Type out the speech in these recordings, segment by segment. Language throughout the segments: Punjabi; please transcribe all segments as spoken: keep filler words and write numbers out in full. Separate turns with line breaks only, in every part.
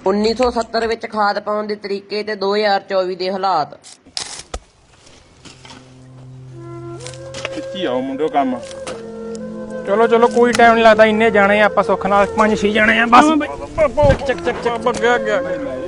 उन्नीस सौ सत्तर विच खाद पाउण दे तरीके ते दो हज़ार चौबी दे हालात।
कित्ती आओ मुंडो काम।
चलो चलो कोई टाइम नहीं लगता, इन्ने जाने आप सुख नाल पांच छे जाने हैं बस। चक चक चक चक गया गया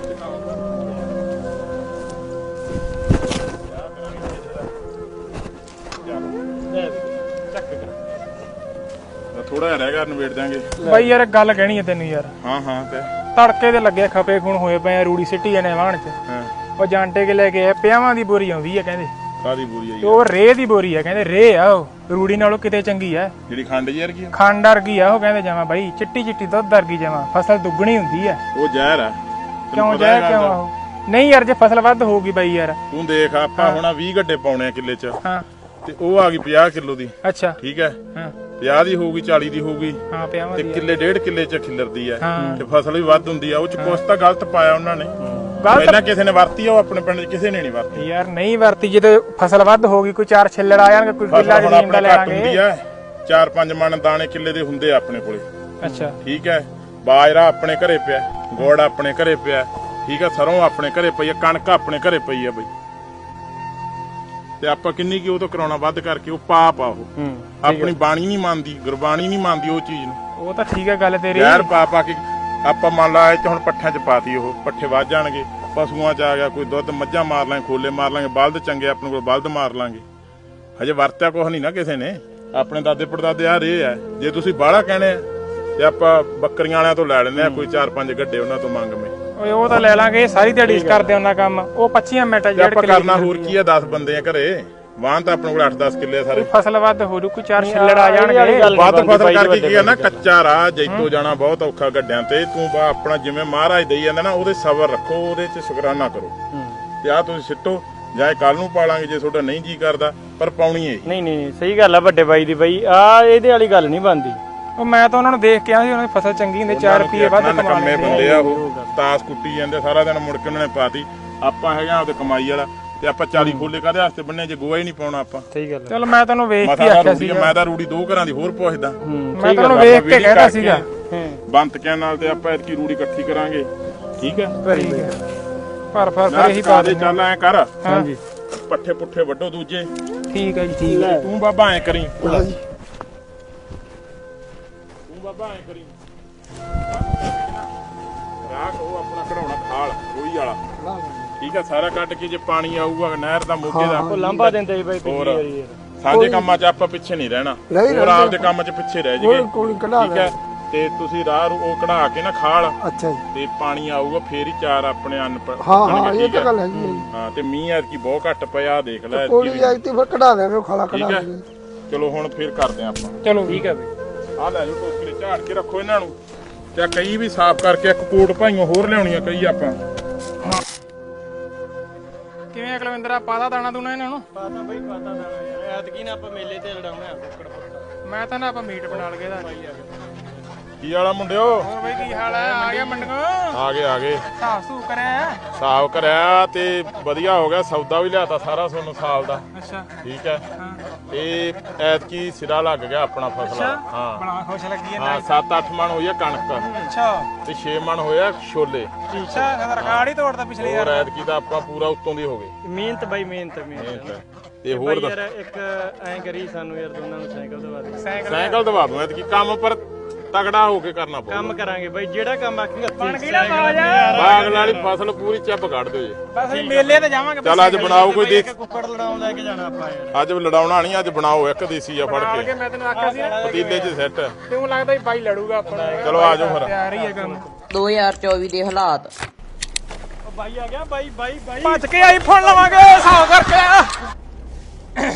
थोड़ा रह गया नवेड़ देंगे
भाई यार गल कहनी है तेन यार।
हाँ हाँ ते
तड़के दे लगे खपे खून होए पे रूड़ी सिटी जाने वाहन च।
हाँ
ਉਹ ਜਾਂਟੇ ਕੇ ਲੈ ਕੇ ਆਏ ਪਿਆਵਾਂ ਦੀ ਬੋਰੀ ਆਉਂਦੀ ਹੈ ਕਹਿੰਦੇ
ਕਾਦੀ ਬੋਰੀ ਆਈ
ਤੇ ਉਹ ਰੇਹ ਦੀ ਬੋਰੀ ਹੈ ਕਹਿੰਦੇ ਰੇਹ ਆ ਉਹ ਰੂੜੀ ਨਾਲੋਂ ਕਿਤੇ ਚੰਗੀ ਆ
ਜਿਹੜੀ ਖੰਡ ਯਾਰ ਕੀ
ਖੰਡ ਵਰਗੀ ਆ ਉਹ ਕਹਿੰਦੇ ਜਾਵਾਂ ਬਾਈ ਚਿੱਟੀ ਚਿੱਟੀ ਦੁੱਧ ਵਰਗੀ ਜਾਵਾਂ ਫਸਲ ਦੁੱਗਣੀ ਹੁੰਦੀ ਆ
ਉਹ ਜ਼ਹਿਰ ਆ
ਕਿਉਂ ਜ਼ਹਿਰ ਕਿਉਂ ਆ ਉਹ ਨਹੀਂ ਯਾਰ ਜੇ ਫਸਲ ਵੱਧ ਹੋਊਗੀ ਬਾਈ ਯਾਰ
ਤੂੰ ਦੇਖ ਆਪਾਂ ਹੁਣ ਵੀਹ ਗੱਡੇ ਪਾਉਣੇ ਆ ਕਿੱਲੇ ਚ
ਹਾਂ
ਤੇ ਉਹ ਆ ਗਈ ਪੰਜਾਹ ਕਿਲੋ ਦੀ
ਅੱਛਾ
ਠੀਕ ਹੈ
ਹਾਂ
ਪੰਜਾਹ ਦੀ ਹੋਊਗੀ ਚਾਲੀ ਦੀ ਹੋਊਗੀ
ਹਾਂ ਪਿਆਵਾਂ
ਤੇ
ਦੀ
ਕਿੱਲੇ ਡੇਢ ਕਿੱਲੇ ਚ ਖਿਲਰਦੀ ਆ
ਹਾਂ।
ਤੇ ਫਸਲ ਵੀ ਵੱਧ ਹੁੰਦੀ ਆ ਉਹ ਚ ਕੁਛ ਤਾਂ ਗਲਤ ਪਾਇਆ ਉਹਨਾਂ ਨੇ
ਗਲਤ
ਪਹਿਲਾਂ ਕਿਸੇ ਨੇ ਵਰਤੀ ਆ ਉਹ ਆਪਣੇ ਪਿੰਡ ਚ ਕਿਸੇ ਨੇ ਨਹੀਂ ਵਰਤੀ
ਯਾਰ ਨਹੀਂ ਵਰਤੀ ਜਦੋਂ ਫਸਲ ਵੱਧ ਹੋਊਗੀ ਕੋਈ ਚਾਰ ਛਿੱਲੜ ਆ ਜਾਣਗੇ ਕੋਈ ਕਿੱਲਾ
ਫਸਲ ਹੁਣ
ਜ਼ਮੀਨ ਦਾ
ਆਪਣੇ
ਲੈ
ਘੱਟ ਹੁੰਦੀ
ਲਾਂਗੇ
ਆ ਚਾਰ ਪੰਜ ਮਣ ਦਾਣੇ ਕਿੱਲੇ ਦੇ ਹੁੰਦੇ ਆ ਆਪਣੇ ਕੋਲੇ
ਅੱਛਾ
ਠੀਕ ਹੈ ਬਾਜਰਾ ਆਪਣੇ ਘਰੇ ਪਿਆ ਗੁੜ ਆਪਣੇ ਘਰੇ ਪਿਆ ਠੀਕ ਹੈ ਸਰੋਂ ਆਪਣੇ ਘਰੇ ਪਈ ਆ ਕਣਕ ਆਪਣੇ ਘਰੇ ਪਈ ਆ ਬਈ ਤੇ ਆਪਾਂ ਕਿੰਨੀ ਕੀ ਉਹ ਤੋਂ ਕਰਾਉਣਾ ਵੱਧ ਕਰਕੇ ਉਹ ਪਾਪ ਆ ਉਹ ਆਪਣੀ ਬਾਣੀ ਨਹੀਂ ਮੰਨਦੀ ਗੁਰਬਾਣੀ ਨਹੀਂ ਮੰਨਦੀ ਉਹ ਚੀਜ਼ ਨੂੰ
ਉਹ ਤਾਂ ਠੀਕ ਹੈ ਗੱਲ ਤੇਰੀ
ਯਾਰ ਪਾਪ ਆ ਕੇ ਆਪਾਂ ਮੰਨ ਲਾ ਇਹ ਚ ਹੁਣ ਪੱਠਿਆਂ ਚ ਪਾਤੀ ਉਹ ਪੱਠੇ ਵੱਧ ਜਾਣਗੇ ਪਸ਼ੂਆਂ ਚ ਆ ਗਿਆ ਕੋਈ ਦੁੱਧ ਮੱਝਾਂ ਮਾਰ ਲਾਂਗੇ ਖੋਲੇ ਮਾਰ ਲਾਂਗੇ ਬਲਦ ਚੰਗੇ ਆਪਣੇ ਕੋਲ ਬਲਦ ਮਾਰ ਲਾਂਗੇ ਹਜੇ ਵਰਤਿਆ ਕੁਛ ਨਹੀਂ ਨਾ ਕਿਸੇ ਨੇ ਆਪਣੇ ਦਾਦੇ ਪੜਦਾਦੇ ਆ ਰਹੇ ਆ ਜੇ ਤੁਸੀਂ ਬਾਹਲਾ ਕਹਿਣੇ ਆ ਤੇ ਆਪਾਂ ਬੱਕਰੀਆਂ ਵਾਲਿਆਂ ਤੋਂ ਲੈ ਲੈਣੇ ਆ ਕੋਈ ਚਾਰ ਪੰਜ ਗੱਡੇ ਉਹਨਾਂ ਤੋਂ ਮੰਗ ਮੇ
ਓਏ ਉਹ ਤਾਂ ਲੈ ਲਾਂਗੇ ਸਾਰੀ ਦਿਹਾੜੀ ਕਰਦੇ ਉਹਨਾਂ ਕੰਮ ਉਹ ਪੱਚੀ ਮਿੰਟ
ਜੇ ਆਪਾਂ ਕਰਨਾ ਹੋਰ ਕੀ ਆ ਦਸ ਬੰਦੇ ਆ ਘਰੇ ਵਾਹਨ ਤਾਂ ਆਪਣੇ ਕੋਲ ਅੱਠ ਦਸ ਕਿੱਲੇ ਆ ਸਾਰੇ
ਫਸਲ ਵੱਧ ਹੋ ਜੂ ਕੋਈ ਚਾਰ ਛਿੱਲੜ ਆ ਜਾਣਗੇ
ਵੱਧ ਫਸਲ ਕਰਕੇ ਕੀ ਆ ਨਾ ਕੱਚਾ ਰਾਹ ਜੈਤੋ ਜਾਣਾ ਬਹੁਤ ਔਖਾ ਗੱਡਿਆਂ ਤੇ ਤੂੰ ਬਾ ਆਪਣਾ ਜਿਵੇਂ ਮਹਾਰਾਜ ਦੇਈ ਜਾਂਦਾ ਨਾ ਉਹਦੇ ਸਬਰ ਰੱਖੋ ਉਹਦੇ ਚ ਸ਼ੁਕਰਾਨਾ ਕਰੋ ਤੇ ਆ ਤੁਸੀਂ ਸਿੱਟੋ ਜਾਂ ਕੱਲ ਨੂੰ ਪਾਲਾਂਗੇ ਜੇ ਤੁਹਾਡਾ ਨਹੀਂ ਜੀ ਕਰਦਾ ਪਰ ਪਾਉਣੀ ਹੈ
ਨਹੀਂ ਨਹੀਂ ਸਹੀ ਗੱਲ ਆ ਵੱਡੇ ਬਾਈ ਦੀ ਬਾਈ ਆ ਇਹਦੇ ਵਾਲੀ ਗੱਲ ਨਹੀਂ ਬਣਦੀ
ਉਹ ਮੈਂ ਤਾਂ ਉਹਨਾਂ ਨੂੰ ਦੇਖ ਕੇ ਆ ਸੀ ਉਹਨਾਂ ਦੀ ਫਸਲ ਚੰਗੀ ਹੁੰਦੀ ਚਾਰ ਰੁਪਏ ਵੱਧ ਕਮਾ
ਕੰਮੇ
ਲੈਂਦੇ
ਬੰਦੇ ਆ ਉਹ ਤਾਸ ਕੁੱਟੀ ਜਾਂਦੇ ਸਾਰਾ ਦਿਨ ਮੁੜ ਕੇ ਉਹਨਾਂ ਨੇ ਪਾਤੀ ਆਪਾਂ ਹੈਗਾ ਆਪਦੇ ਕਮਾਈ ਵਾਲਾ ਤੇ ਆਪਾਂ ਚਾਲੀ ਖੋਲੇ ਕਾਹਦੇ ਵਾਸਤੇ ਬੰਨੇ ਜੇ ਗੋਆ ਹੀ ਨਹੀਂ ਪਾਉਣਾ ਆਪਾਂ
ਸਹੀ ਗੱਲ
ਚਲ ਮੈਂ ਤੈਨੂੰ ਵੇਖ ਕੇ
ਮਸਾ
ਆਖਿਆ ਸੀ
ਮੈਂ ਤਾਂ ਰੂੜੀ ਦੋ ਘਰਾਂ ਦੀ ਹੋਰ ਪੁੱਛਦਾ
ਮੈਂ ਤੈਨੂੰ ਵੇਖ ਕੇ ਕਹਿਦਾ ਸੀਗਾ
ਬੰਤ ਕਿਆਂ ਨਾਲ ਤੇ ਆਪਾਂ ਇਤਕੀ ਰੂੜੀ ਇਕੱਠੀ ਕਰਾਂਗੇ ਠੀਕ ਹੈ
ਠੀਕ ਹੈ ਪਰ ਪਰ ਫਿਰ ਇਹੀ ਪਾ ਦੇ
ਚੱਲ ਐ ਕਰ
ਹਾਂਜੀ
ਪੱਠੇ ਪੁੱਠੇ ਵੱਢੋ ਦੂਜੇ
ਠੀਕ ਹੈ ਜੀ ਠੀਕ ਹੈ
ਤੂੰ ਬਾਬਾ ਐ ਕਰੀ ਤੂੰ ਬਾਬਾ ਐ ਕਰੀ ਰਾਖ ਉਹ ਆਪਣਾ ਕਢਾਉਣਾ ਖਾਲ ਰੋਈ ਵਾਲਾ ਠੀਕ ਹੈ ਸਾਰਾ ਕੱਢ ਕੇ ਜੇ ਪਾਣੀ ਆਊਗਾ ਨਹਿਰ ਦਾ ਮੋਗੇ ਦਾ
ਉਹ ਲਾਂਭਾ ਦਿੰਦੇ ਬਾਈ
ਹੋਰ ਸਾਂਝੇ ਕੰਮਾਂ 'ਚ ਆਪਾਂ ਪਿੱਛੇ ਨਹੀਂ ਰਹਿਣਾ ਹੋਰ ਆਪਦੇ ਕੰਮ 'ਚ ਪਿੱਛੇ ਰਹਿ ਜੀਏ ਠੀਕ ਹੈ ਤੇ ਤੁਸੀਂ ਰਾਹ ਉਹ ਕਢਾ ਕੇ ਨਾ ਖਾਲ
ਅੱਛਾ ਜੀ
ਤੇ ਪਾਣੀ ਆਊਗਾ ਫੇਰ ਹੀ ਚਾਰ ਆਪਣੇ ਅੰਨ
ਹਾਂ ਹਾਂ ਇਹ ਤਾਂ ਗੱਲ ਹੈਗੀ ਹੈ
ਹਾਂ ਤੇ ਮੀਂਹ ਐਤਕੀ ਬਹੁਤ ਘੱਟ ਪਿਆ ਦੇਖ ਲੈ
ਕੋਈ ਜਾਈ ਤੇ ਫਿਰ ਕਢਾ ਦੇਵੇ ਖਾਲਾ ਕਢਾ
ਠੀਕ ਹੈ
ਦੇਵੇ
ਚਲੋ ਹੁਣ ਫੇਰ ਕਰਦੇ ਆਂ ਆਪਾਂ
ਚਲੋ ਠੀਕ ਹੈ ਬਈ
ਆ ਲੈ ਜਾਓ ਟੋਕਰੇ ਝਾੜ ਕੇ ਰੱਖੋ ਇਹਨਾਂ ਨੂੰ ਤੇ ਕਈ ਵੀ ਸਾਫ਼ ਕਰਕੇ ਇੱਕ ਕੋਟ ਭਾਈਆਂ ਹੋਰ ਲਿਆਉਣੀਆਂ ਕਈ ਆਪਾਂ
ਕਿਵੇਂ ਅਕਲਵਿੰਦਰਾ ਪਾਦਾ ਦਾਣਾ ਦੂਣਾ ਇਹਨਾਂ ਨੂੰ
ਪਾਤਾ ਬਾਈ ਪਾਤਾ ਦਾਣਾ ਯਾਰ ਐਤਕੀ ਨਾ ਆਪਾਂ ਮੇਲੇ ਤੇ ਲੜਾਉਣਾ ਕੁੱਕੜ ਪੁੱਕੜ
ਮੈਂ ਤਾਂ ਨਾ ਆਪਾਂ ਮੀਟ ਬਣਾ ਲਗੇ ਦਾ
ਕੀ ਵਾਲਾ ਮੁੰਡਿਓ
ਹੋਰ ਬਈ ਕੀ ਹਾਲ ਹੈ ਆ ਗਿਆ ਮੰਡਗੋ
ਆ ਗਏ ਆ ਗਏ
ਸਾਫ ਸੂ ਕਰਿਆ
ਸਾਫ਼ ਕਰਿਆ ਤੇ ਵਧੀਆ ਹੋ ਗਿਆ ਸੌਦਾ ਵੀ ਲਿਆਤਾ ਸਾਰਾ ਤੁਹਾਨੂੰ ਸਾਲ ਦਾ
ਅੱਛਾ
ਠੀਕ ਹੈ
ਹਾਂ
ਤੇ ਐਤਕੀ ਸਿਰਾ ਲੱਗ ਗਿਆ ਆਪਣਾ ਫਸਲ ਹਾਂ
ਬੜਾ ਖੁਸ਼ ਲੱਗੀ
ਹਾਂ ਸੱਤ ਅੱਠ ਮਣ ਹੋਈ ਆ ਕਣਕ
ਅੱਛਾ
ਤੇ ਛੇ ਮਣ ਹੋਇਆ ਛੋਲੇ
ਅੱਛਾ ਇਹਦਾ ਰਿਕਾਰਡ ਹੀ ਤੋੜਦਾ ਪਿਛਲੇ
ਹੋਰ ਐਤਕੀ ਦਾ ਆਪਾਂ ਪੂਰਾ ਉੱਤੋਂ ਦੀ ਹੋ ਗਏ
ਮਿਹਨਤ ਬਾਈ ਮਿਹਨਤ ਮਿਹਨਤ
ਮਿਹਨਤ ਤੇ ਹੋਰ
ਯਾਰ ਇੱਕ ਐਂ ਕਰੀ ਸਾਨੂੰ ਯਾਰ ਦੋਨਾਂ ਨੂੰ ਸਾਈਕਲ ਦਵਾ ਦੇ
ਸਾਈਕਲ
ਸਾਈਕਲ ਦਵਾ ਦੂੰ ਐਤਕੀ ਕੰਮ ਪਰ ਤਗੜਾ ਹੋ ਕੇ ਕਰਨਾ ਪਊਗਾ
ਕੰਮ ਕਰਾਂਗੇ ਬਾਈ ਜਿਹੜਾ ਕੰਮ ਆਖੀ
ਬਣ ਗਈ ਨਾ ਬਾਜ
ਬਾਗ ਵਾਲੀ ਫਸਲ ਪੂਰੀ ਚੱਪ ਕੱਢ ਦਿਓ ਜੀ
ਬਸ ਮੇਲੇ ਤੇ ਜਾਵਾਂਗੇ
ਚੱਲ ਅੱਜ ਬਣਾਓ ਕੋਈ ਦੇਖ
ਕੁੱਕੜ ਲੜਾਉਣ ਲੈ ਕੇ ਜਾਣਾ ਆਪਾਂ ਯਾਰ
ਅੱਜ ਲੜਾਉਣਾ ਨਹੀਂ ਅੱਜ ਬਣਾਓ ਇੱਕ ਦੇਸੀ ਆ ਫੜ
ਨਾਲ
ਕੇ
ਕੇ ਮੈਂ ਤੈਨੂੰ ਆਖਿਆ ਸੀ ਨਾ
ਪਤੀਲੇ 'ਚ ਸੈੱਟ
ਕਿਉਂ ਲੱਗਦਾ ਵੀ ਬਾਈ ਲੜੂਗਾ ਆਪਣਾ
ਚਲੋ ਆ ਜਾਓ ਫਿਰ
ਤਿਆਰ ਹੀ ਹੈ ਕੰਮ
दो हज़ार चौबीस ਦੇ ਹਾਲਾਤ।
ਉਹ ਬਾਈ ਆ ਗਿਆ ਬਾਈ ਬਾਈ ਬਾਈ
ਭੱਜ ਕੇ ਆਈਫੋਨ ਲਵਾਂਗੇ ਹਿਸਾਬ ਕਰਕੇ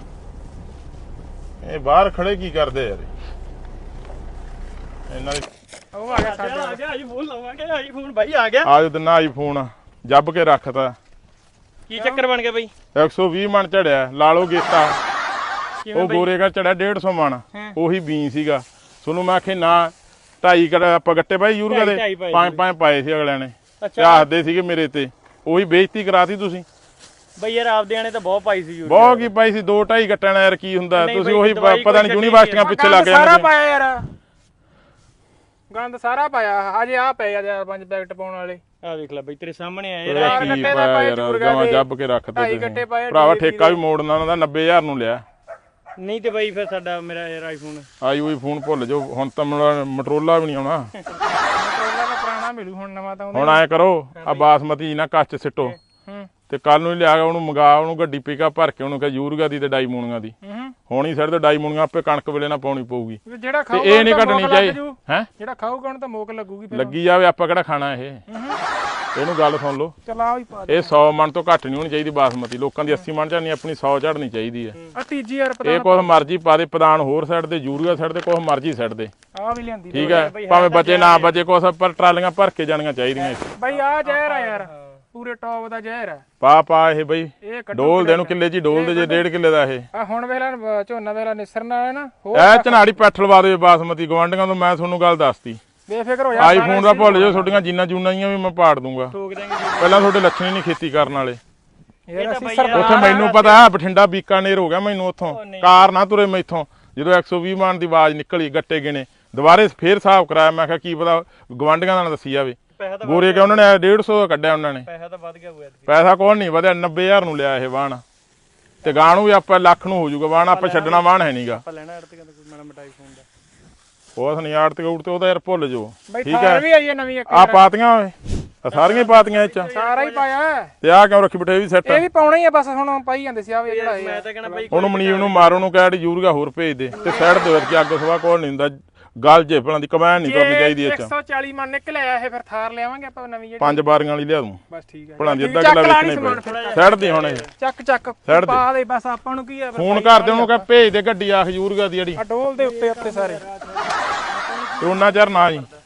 ਇਹ ਬਾਹਰ ਖੜੇ ਕੀ ਕਰਦੇ ਯਾਰ ਇਹਨਾਂ ਦੀ
ਉਹ ਆ ਗਿਆ ਸਾਡੇ
ਆ ਗਿਆ ਆਈਫੋਨ ਲਵਾਂਗੇ ਆਈਫੋਨ ਬਾਈ ਆ ਗਿਆ
ਆਜ ਦਿਨ ਆਈਫੋਨ ਜੱਬ ਕੇ ਰੱਖਤਾ
ਕੀ ਚੱਕਰ ਬਣ ਗਿਆ ਬਾਈ
ਇੱਕ ਸੌ ਵੀਹ ਮਣ ਚੜਿਆ ਲਾ ਲਓ ਗੇਤਾ ਉਹ ਗੋਰੇ ਦਾ ਚੜਿਆ ਡੇਢ ਸੌ ਮਣ ਉਹੀ ਬੀਂ ਸੀਗਾ ਤੁਹਾਨੂੰ ਮੈਂ ਆਖੇ ਨਾ ਢਾਈ ਕੜ ਆਪਾਂ ਗੱਟੇ ਪਾਈ ਯੂਰੀਆ ਦੇ ਪੰਜ ਪੰਜ ਪਾਏ ਸੀ ਅਗਲਿਆਂ ਨੇ ਚਾਹਦੇ ਸੀਗੇ ਮੇਰੇ ਤੇ ਉਹੀ ਬੇਇੱਜ਼ਤੀ ਕਰਾਤੀ ਤੁਸੀਂ
ਬਈ ਯਾਰ ਆਪਦੇ ਆਣੇ ਤਾਂ ਬਹੁਤ ਪਾਈ ਸੀ ਯੂਰੀਆ
ਬਹੁਤ ਕੀ ਪਾਈ ਸੀ ਦੋ ਢਾਈ ਗੱਟਾਂ ਨਾਲ ਯਾਰ ਕੀ ਹੁੰਦਾ ਤੁਸੀਂ ਉਹੀ ਪਤਾ ਨਹੀਂ ਯੂਨੀਵਰਸਿਟੀਆਂ ਪਿੱਛੇ ਲੱਗ
ਸਾਰਾ
ਜਾਂਦੇ
ਪਾਇਆ ਯਾਰ ਗੰਦ ਸਾਰਾ ਪਾਇਆ ਹਜੇ ਆ ਪਏ ਆ ਚਾਰ ਪੰਜ ਪੈਕਟ ਪਾਉਣ ਵਾਲੇ
ਆ ਵੇਖ ਲੈ ਬਈ ਤੇਰੇ ਸਾਹਮਣੇ ਆਏ
ਇਹ
ਚਾਰ
ਕੀ
ਗੱਟੇ ਦਾ
ਪਾਇਆ
ਪਾਏ
ਯਾਰ
ਚੂਰਗਾ
ਜਮਾਂ
ਦੇ,
ਜੱਬ ਕੇ ਰੱਖਦੇ
ਢਾਈ
ਤੁਸੀਂ।
ਗੱਟੇ ਪਾਏ
ਭਰਾਵਾ
ਡੀ ਏ ਪੀ
ਠੇਕਾ ਵੀ ਮੋੜਨਾ ਉਹਨਾਂ ਦਾ ਨੱਬੇ ਹਜ਼ਾਰ ਨੂੰ ਲਿਆ
ਨਹੀਂ ਤੇ ਬਈ ਫਿਰ ਸਾਡਾ ਮੇਰਾ ਯਾਰ ਆਈਫੋਨ
ਆਈ ਹੋਈ ਫੋਨ ਭੁੱਲ ਜਾਓ ਹੁਣ ਤਾਂ ਮੇਰਾ ਮਟਰੋਲਾ ਵੀ ਨਹੀਂ ਆਉਣਾ
ਮਟਰੋਲਾ ਦਾ ਪੁਰਾਣਾ ਮਿਲੂ ਹੁਣ ਨਵਾਂ ਤਾਂ
ਹੁਣ ਐ ਕਰੋ ਆ ਬਾਸਮਤੀ ਨਾ ਕੱਚ ਸਿੱਟੋ
ਹੂੰ
ਤੇ ਕੱਲ ਨੂੰ ਹੀ ਲਿਆ ਕੇ ਉਹਨੂੰ ਮੰਗਾ ਉਹਨੂੰ ਗੱਡੀ ਪਿਕਅਪ ਭਰ ਕੇ ਉਹਨੂੰ ਕਹ ਯੂਰੀਆ ਦੀ ਤੇ ਡਾਈ ਮੂਣੀਆਂ ਦੀ
ਹੂੰ
ਹੁਣ ਹੀ ਸਿਰ ਤੇ ਡਾਈ ਮੂਣੀਆਂ ਆਪੇ ਕਣਕ ਵੇਲੇ ਨਾ ਪਾਉਣੀ ਪਊਗੀ
ਵੀ ਜਿਹੜਾ
ਤੇ
ਖਾਊਗਾ
ਇਹ ਨਹੀਂ
ਤਾਂ
ਘਟਣੀ
ਮੋਕ
ਚਾਹੀਦੀ
ਲੱਗ ਜੂ।
ਹੈ
ਜਿਹੜਾ ਖਾਊਗਾ ਉਹਨੂੰ ਤਾਂ ਮੋਕ ਲੱਗੂਗੀ ਫਿਰ
ਲੱਗੀ ਜਾਵੇ ਆਪਾਂ ਕਿਹੜਾ ਖਾਣਾ ਇਹ ਇਹਨੂੰ ਗੱਲ ਸੁਣ ਲਓ
ਚਲਾ ਵੀ ਪਾ ਦੇ
ਇਹ ਸੌ ਮਣ ਤੋਂ ਘੱਟ ਨਹੀਂ ਹੋਣੀ ਚਾਹੀਦੀ ਬਾਸਮਤੀ ਲੋਕਾਂ ਦੀ ਅੱਸੀ ਮਣ ਝੜਨੀ ਆਪਣੀ ਸੌ ਝੜਨੀ ਚਾਹੀਦੀ ਹੈ
ਆ ਤੀਜੀ ਯਾਰ ਪਤਾ
ਇਹ ਕੁਛ ਮਰਜ਼ੀ ਪਾ ਦੇ ਪ੍ਰਧਾਨ ਹੋਰ ਸਾਈਡ ਤੇ ਯੂਰੀਆ ਸਾਈਡ ਤੇ ਕੁਛ ਮਰਜ਼ੀ ਸਾਈਡ ਦੇ
ਆ ਵੀ ਲਿਆਂਦੀ
ਠੀਕ ਹੈ ਭਾਵੇਂ ਬਚੇ ਨਾ ਬਚੇ ਕੁਛ ਪਰ ਟਰਾਲੀਆਂ ਭਰ ਕੇ ਜਾਣੀਆਂ ਚਾਹੀਦੀਆਂ ਇੱਥੇ।
ਬਾਈ ਆ ਜ਼ਹਿਰ ਆ ਯਾਰ ਪੂਰੇ ਟੌਪ ਦਾ ਜ਼ਹਿਰ ਆ
ਪਾ ਪਾ ਇਹ ਬਈ
ਇਹ ਕੱਢੋ
ਡੋਲ ਦੇ ਨੂੰ ਕਿੱਲੇ ਚ ਹੀ ਡੋਲ ਦੇ ਜੇ ਡੇਢ ਕਿੱਲੇ ਦਾ ਇਹ
ਆ ਹੁਣ ਵੇਲਾ ਝੋਨਾ ਵੇਲਾ ਨਿਸਰਨਾ ਹੈ ਨਾ ਹੋਰ
ਇਹ ਝਨਾੜੀ ਪੈਠ ਲਵਾ ਦੇ ਬਾਸਮਤੀ ਗਵਾਂਢੀਆਂ ਤੋਂ ਮੈਂ ਤੁਹਾਨੂੰ ਗੱਲ ਦੱਸਤੀ
ਬੇਫਿਕਰ ਹੋ ਜਾ
ਆਈਫੋਨ ਦਾ ਭੁੱਲ ਜਾਓ ਤੁਹਾਡੀਆਂ ਜਿੰਨਾ ਜੂਨਾਂ ਜੀਆਂ ਵੀ ਮੈਂ ਪਾੜ ਦੂੰਗਾ
ਠੋਕ ਦਾਂਗੇ
ਪਹਿਲਾਂ ਤੁਹਾਡੇ ਲੱਛਣ ਹੀ ਨਹੀਂ ਖੇਤੀ ਕਰਨ ਵਾਲੇ
ਯਾਰ ਅਸੀਂ
ਬਈ
ਸਰਦਾਰ
ਉੱਥੇ ਮੈਨੂੰ ਪਤਾ ਹੈ ਬਠਿੰਡਾ ਬੀਕਾਨੇਰ ਹੋ ਗਿਆ ਮੈਨੂੰ ਉੱਥੋਂ ਕਾਰ ਨਾ ਤੁਰੇ ਮੈਥੋਂ ਜਦੋਂ ਇੱਕ ਸੌ ਵੀਹ ਮਾਨ ਦੀ ਆਵਾਜ਼ ਨਿਕਲੀ ਗੱਟੇ ਗਿਣੇ ਦੁਬਾਰੇ ਫੇਰ ਹਿਸਾਬ ਕਰਾਇਆ ਮੈਂ ਕਿਹਾ ਕੀ ਪਤਾ ਗਵਾਂਢੀਆਂ ਨਾਲ ਦੱਸੀ ਜਾਵੇ
ਪੈਸਾ ਤਾਂ
ਗੋਰੇ ਕਿ ਉਹਨਾਂ ਨੇ ਡੇਢ ਸੌ ਦਾ ਕੱਢਿਆ ਉਹਨਾਂ ਨੇ
ਪੈਸਾ ਤਾਂ ਵੱਧ ਗਿਆ ਹੋਇਆ
ਪੈਸਾ ਕੋਣ ਨਹੀਂ ਵਧਿਆ ਨੱਬੇ ਹਜ਼ਾਰ ਨੂੰ ਲਿਆ ਇਹ ਵਾਹਣ ਤੇ ਗਾਂ ਨੂੰ ਵੀ ਆਪਾਂ ਲੱਖ ਨੂੰ ਹੋ ਜਾਊਗਾ ਵਾਹਣ ਆਪਾਂ ਛੱਡਣਾ ਵਾਹਣ ਹੈ ਨਹੀਂਗਾ
ਆਪਾਂ ਲੈਣਾ ਅੜਤ ਕਹਿੰਦਾ ਕੋਈ ਮਾੜਾ ਮੋਟਾ ਆਈਫੋਨ ਦਾ
ਉਹ ਨਹੀਂ ਆੜ ਤੇ ਉੜ ਤੇ ਉਹਦਾ ਯਾਰ ਭੁੱਲ ਜਾਓ
ਬਈ
ਠੀਕ
ਥਾਰ
ਹੈ
ਵੀ ਆਈ ਹੈ ਨਵੀਂ ਇੱਕ
ਆ ਪਾਤੀਆਂ ਓਏ ਆ ਸਾਰੀਆਂ ਹੀ ਪਾਤੀਆਂ ਇਹ ਚ
ਸਾਰਾ ਹੀ ਪਾਇਆ ਹੈ।
ਤੇ ਆ ਕਿਉਂ ਰੱਖੀ ਬਿਠੇ ਇਹ ਵੀ ਸੈੱਟ
ਇਹ ਵੀ ਪਾਉਣਾ ਹੀ ਆ ਬਸ ਹੁਣ ਪਾਈ ਜਾਂਦੇ ਸੀ ਆ ਵੀ ਜਿਹੜਾ ਇਹ
ਮੈਂ ਤਾਂ ਕਹਿੰਦਾ ਬਈ
ਉਹਨੂੰ ਮਨੀਬ ਨੂੰ ਮਾਰੋ ਨੂੰ ਕਹਿ ਯੂਰੀਆ ਹੋਰ ਭੇਜ ਦੇ ਤੇ ਸਾਈਡ ਦੇ ਵਿੱਚ ਅੱਗ ਸਵਾ ਕੋਲ ਨਹੀਂ ਹੁੰਦਾ ਗੱਲ ਜੇ ਭਲਾਂ ਦੀ ਕਮੈਨ ਨਹੀਂ ਕਰਨੀ ਚਾਹੀਦੀ ਇਹ
ਇੱਕ
ਚ
ਸੌ ਚਾਲੀ ਮਨ ਨਿਕਲਿਆ ਇਹ ਫਿਰ ਥਾਰ ਲਿਆਵਾਂਗੇ ਆਪਾਂ ਨਵੀਂ ਜਿਹੜੀ
ਪੰਜ ਬਾਰੀਆਂ ਵਾਲੀ ਲਿਆ ਦੂੰ
ਬਸ ਠੀਕ ਹੈ
ਭਲਾਂ ਦੀ ਅੱਧਾ
ਚੱਕ
ਕਿਲਾ
ਲਾ ਨੀ
ਵੇਚਣੇ
ਸਮਾਨ
ਪਏ
ਫਿਰ।
ਸਾਈਡ ਦੇ ਹੁਣ ਇਹ
ਚੱਕ ਚੱਕ
ਸਾਈਡ ਦੇ।
ਪਾ ਦੇ ਬਸ ਆਪਾਂ ਨੂੰ ਕੀ ਆ
ਫੋਨ ਕਰ ਦੇ ਉਹਨੂੰ ਕਹ ਭੇਜ ਦੇ ਗੱਡੀ ਆਖ ਯੂਰੀਆ ਦੀ ਜਿਹੜੀ
ਆ ਡੋਲ ਦੇ ਉੱਤੇ ਉੱਤੇ ਸਾਰੇ
ਤੇ ਉਹਨਾਂ ਚਿਰ ਨਾ ਜੀ